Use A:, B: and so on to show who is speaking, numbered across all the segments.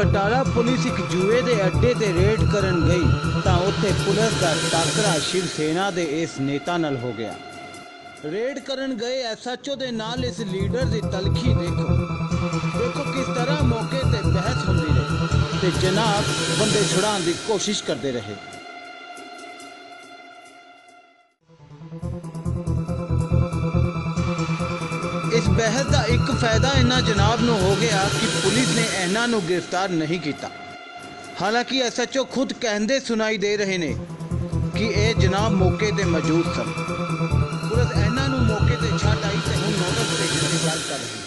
A: Batala police एक जुए के अड्डे ते रेड करन गई तां उत्थे पुलिस का टाकरा शिव सेना दे इस नेता नाल हो गया। रेड करन गए SHO दे नाल इस लीडर की तलखी देखो किस तरह मौके ते बहस होंदी रही ते जनाब बंदे छुड़ाने की कोशिश करते रहे। इस बहस का एक फायदा इन्हां जनाब नूं हो गया कि पुलिस ने इन्हां नूं गिरफ्तार नहीं किया। हालांकि SHO खुद कहते सुनाई दे रहे ने कि यह जनाब मौके ते मौजूद सन। पुलिस इन्हां नूं मौके ते छड्ड आई ते हुण नोटिस भेजण की गल कर रही है।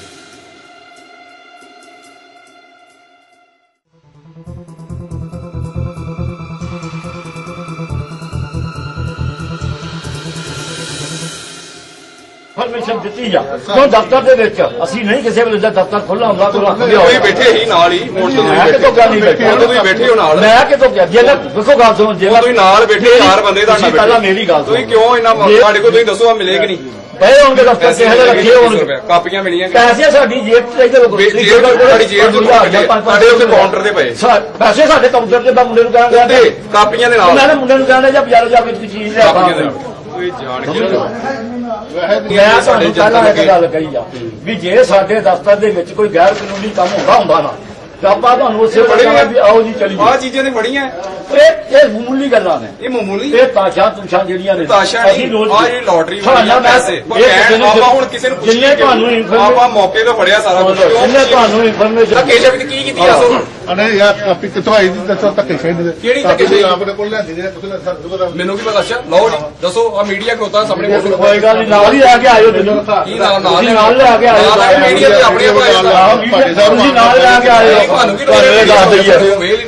B: परमिशन दी जा क्यों दफ्तर दे विच असीं नहीं किसी वेले दफ्तर खुला हुंदा कोई रख दिया
C: कोई बैठे ही नाल ही मोड़ तो
B: तो क्या नहीं बैठे
C: तो तुसीं बैठे हो नाल
B: मैं कितों गया जे देखो गल सुनो जे
C: तुसीं नाल बैठे चार बंदे दा
B: पहला मेरी गल
C: तुसीं क्यों इना साडे को तुसीं दसो मिले कि नहीं
B: पए होंगे दफ्तर किसे दे रखे होंगे
C: कापियां मिलियां
B: पैसे साडी जेब च इधर
C: साडी जेब च साडे उस काउंटर ते पए
B: पैसे साडे काउंटर ते मुंडे नूं कहंदा
C: कापियां दे नाल
B: मैं मुंडे नूं कहंदा जा बाजार जा के चीज ले आ
C: कोई जान के
B: मैं ਤੁਹਾਨੂੰ ਪਹਿਲਾਂ ਇੱਕ ਗੱਲ ਕਹੀ ਆ ਵੀ ਜੇ ਸਾਡੇ ਦਫ਼ਤਰ ਦੇ ਵਿੱਚ ਕੋਈ ਗੈਰ ਕਾਨੂੰਨੀ ਕੰਮ ਹੁੰਦਾ ਨਾ ਤਾਂ ਆਪਾਂ ਤੁਹਾਨੂੰ ਉਸੇ ਵੇਲੇ ਵੀ ਆਓ ਜੀ ਚਲੀ
C: ਆ ਚੀਜ਼ਾਂ ਨੇ ਬੜੀਆਂ
B: ਇਹ ਮਾਮੂਲੀ ਗੱਲਾਂ ਨੇ
C: ਇਹ ਮਾਮੂਲੀ
B: ਇਹ ਤਾਸ਼ਾਂ ਤੁਸ਼ਾਂ ਜਿਹੜੀਆਂ ਨੇ
C: ਅਸੀਂ ਰੋਜ਼ ਆ ਜਿਹੜੀ ਲੋਟਰੀ ਵਾਲੀ ਪੈਸੇ ਆਪਾਂ ਹੁਣ ਕਿਸੇ ਨੂੰ
B: ਜਿੰਨੇ ਤੁਹਾਨੂੰ
C: ਆਪਾਂ ਮੌਕੇ ਤੇ ਫੜਿਆ ਸਾਰਾ ਕੁਝ
B: ਜਿੰਨੇ ਤੁਹਾਨੂੰ ਇਨਫੋਰਮੇਸ਼ਨ
C: ਕੇਸ਼ਵ ਕੀ ਕੀਤੀ ਆ ਸੋ
D: ਅਨੇ ਯਾਰ ਆਪੀ ਕਿੱਥੋਂ ਆਈ ਦੀ ਦੱਸੋ ਧੱਕੇ ਖੇਡਦੇ
C: ਕਿਹੜੀ ਧੱਕੇ
D: ਆਪਣੇ ਕੋਲ ਲੈਂਦੀ ਨੇ ਤੁਸੀਂ
C: ਮੈਨੂੰ ਕੀ ਪਤਾ ਅੱਛਾ ਲਓ ਜੀ ਦੱਸੋ ਆ ਮੀਡੀਆ ਕੋਤਾ ਸਾਹਮਣੇ
B: ਕੋਈ ਗੱਲ ਨਹੀਂ ਨਾਲ ਹੀ ਆ ਕੇ ਆਇਓ ਤੁਸੀਂ
C: ਕੀ ਨਾਲ
B: ਨਾਲ ਲੈ ਕੇ ਆਇਓ
C: ਮੀਡੀਆ ਤੇ ਆਪਣੇ
B: ਤੁਸੀਂ ਨਾਲ ਲੈ ਕੇ ਆਇਓ
C: ਤੁਹਾਨੂੰ ਕੀ ਲੋੜ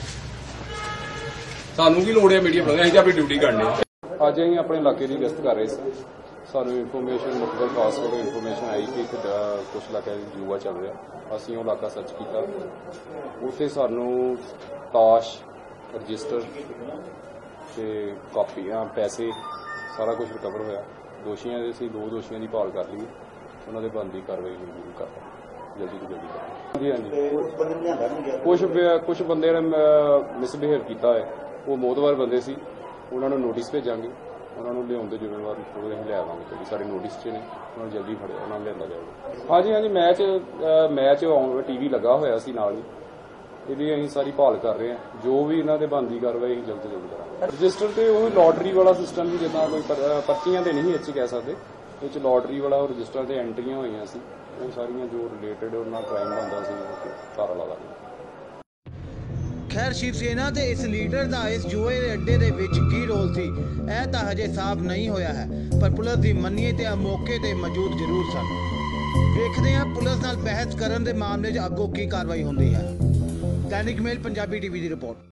C: ਸਾਨੂੰ ਕੀ ਲੋੜ ਹੈ ਮੀਡੀਆ ਬਣਾਉਣ ਅਸੀਂ ਤਾਂ ਆਪਣੀ ਡਿਊਟੀ ਕਰਨੀ ਹੈ।
E: ਅੱਜ ਅਸੀਂ ਆਪਣੇ ਇਲਾਕੇ ਦੀ ਗਸ਼ਤ ਕਰ ਰਹੇ ਸੀ। ਸਾਨੂੰ ਇਨਫੋਰਮੇਸ਼ਨ ਮੁਖਬਰ ਖਾਸ ਤੋਂ ਇਨਫੋਰਮੇਸ਼ਨ ਆਈ ਕਿ ਇੱਕ ਕੁਝ ਇਲਾਕਿਆਂ ਵਿੱਚ ਜੂਆ ਚੱਲ ਰਿਹਾ। ਅਸੀਂ ਉਹ ਇਲਾਕਾ ਸਰਚ ਕੀਤਾ, ਉੱਥੇ ਸਾਨੂੰ ਤਾਸ਼ ਰਜਿਸਟਰ ਤੇ ਕਾਪੀਆਂ ਪੈਸੇ ਸਾਰਾ ਕੁਝ ਰਿਕਵਰ ਹੋਇਆ। ਦੋਸ਼ੀਆਂ ਦੇ ਅਸੀਂ 2 ਦੋਸ਼ੀਆਂ ਦੀ ਭਾਲ ਕਰ ਲਈ, ਉਹਨਾਂ ਦੇ ਬਣਦੀ ਕਾਰਵਾਈ ਜ਼ਰੂਰ ਕਰ ਜਲਦੀ ਤੋਂ ਜਲਦੀ ਕਰਾਂਗੇ। ਹਾਂਜੀ ਕੁਝ ਬੰਦੇ ਨੇ ਮਿਸਬਿਹੇਵ ਕੀਤਾ ਹੈ, ਉਹ ਮੋਤਬਰ ਬੰਦੇ ਸੀ, ਉਹਨਾਂ ਨੂੰ ਨੋਟਿਸ ਭੇਜਾਂਗੇ, ਉਹਨਾਂ ਨੂੰ ਲਿਆਉਣ ਦੇ ਜ਼ਿੰਮੇਵਾਰ ਉਹ ਅਸੀਂ ਲੈ ਆਵਾਂਗੇ ਕਿਉਂਕਿ ਸਾਡੇ ਨੋਟਿਸ 'ਚ ਨੇ, ਉਹਨਾਂ ਨੂੰ ਜਲਦੀ ਫੜਿਆ ਉਹਨਾਂ ਨੂੰ ਲਿਆਂਦਾ ਜਾਊਗਾ। ਹਾਂਜੀ ਮੈਚ TV ਲੱਗਾ ਹੋਇਆ ਸੀ ਨਾਲ ਹੀ, ਇਹਦੀ ਅਸੀਂ ਸਾਰੀ ਭਾਲ ਕਰ ਰਹੇ ਹਾਂ। ਜੋ ਵੀ ਇਹਨਾਂ ਦੇ ਬਣਦੀ ਕਾਰਵਾਈ ਅਸੀਂ ਜਲਦ ਤੋਂ ਜਲਦ ਕਰਾਂਗੇ। ਰਜਿਸਟਰ ਤੇ ਉਹ ਲੋਟਰੀ ਵਾਲਾ ਸਿਸਟਮ ਵੀ ਜਿੱਦਾਂ ਕੋਈ ਪਰਚੀਆਂ ਤੇ ਨਹੀਂ ਇਹ 'ਚ ਕਹਿ ਸਕਦੇ, ਇਹ 'ਚ ਲੋਟਰੀ ਵਾਲਾ ਉਹ ਰਜਿਸਟਰ ਤੇ ਐਂਟਰੀਆਂ ਹੋਈਆਂ ਸੀ, ਉਹ ਸਾਰੀਆਂ ਜੋ ਰਿਲੇਟਡ ਉਹਨਾਂ ਕ੍ਰਾਈਮ ਹੁੰਦਾ ਸੀ ਸਾਰਾ ਲਾ ਦਾਂਗੇ।
A: खैर शिव सेना के इस लीडर का इस जुए के अड्डे के विच की रोल सी यह तो हजे साफ नहीं होया है, पर पुलिस की मन्नीए तो मौके पर मौजूद जरूर सन। देखते हैं पुलिस नाल बहस करन दे मामले च अगों की कार्रवाई होंदी है। दैनिक मेल पंजाबी TV की रिपोर्ट।